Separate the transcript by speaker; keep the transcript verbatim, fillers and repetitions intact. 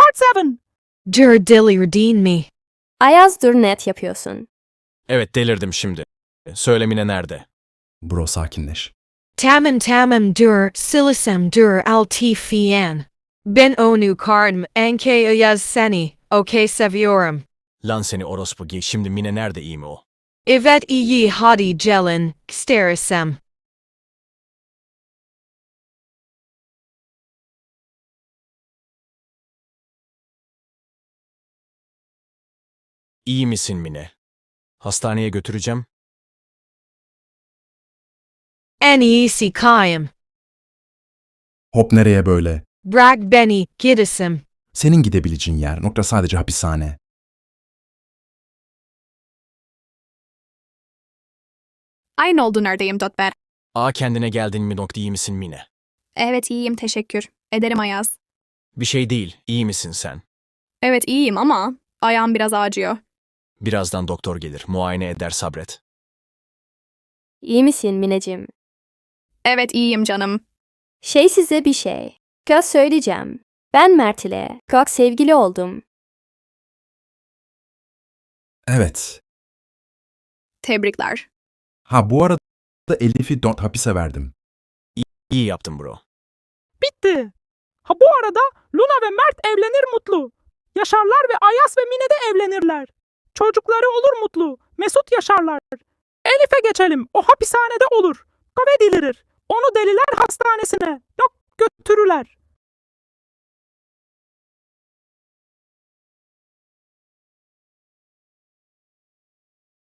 Speaker 1: part yedi.
Speaker 2: Dur delirdin mi?
Speaker 3: Ayaz dur net yapıyorsun.
Speaker 4: Evet delirdim şimdi. Söyle Mine nerede?
Speaker 5: Bro sakinleş.
Speaker 2: Tamam tamam dur silisem dur altifiyen. Ben onu karnım anke ayaz seni. Okay seviyorum.
Speaker 4: Lan seni orospu giy. Şimdi Mine nerede, iyi mi o?
Speaker 2: Evet iyi hadi gelin. Sterisem.
Speaker 4: İyi misin Mine? Hastaneye götüreceğim.
Speaker 2: En iyisi kayım.
Speaker 5: Hop nereye böyle?
Speaker 2: Bırak beni gidesim.
Speaker 5: Senin gidebileceğin yer nokta sadece hapishane.
Speaker 1: Aynı oldu neredeyim Dotber.
Speaker 4: Aa kendine geldin mi nokta, iyi misin Mine?
Speaker 1: Evet iyiyim teşekkür. Ederim Ayaz.
Speaker 4: Bir şey değil, iyi misin sen?
Speaker 1: Evet iyiyim ama ayağım biraz acıyor.
Speaker 4: Birazdan doktor gelir, muayene eder, sabret.
Speaker 3: İyi misin Mineciğim?
Speaker 1: Evet iyiyim canım.
Speaker 3: Şey size bir şey. Kız söyleyeceğim. Ben Mert ile çok sevgili oldum.
Speaker 5: Evet.
Speaker 1: Tebrikler.
Speaker 5: Ha bu arada Elif'i don't hapise verdim.
Speaker 4: İyi yaptın bro.
Speaker 6: Bitti. Ha bu arada Luna ve Mert evlenir mutlu. Yaşarlar ve Ayas ve Mine de evlenirler. Çocukları olur mutlu. Mesut yaşarlar. Elif'e geçelim. O hapishanede olur. Kahve delirir. Onu deliler hastanesine. Yok götürürler.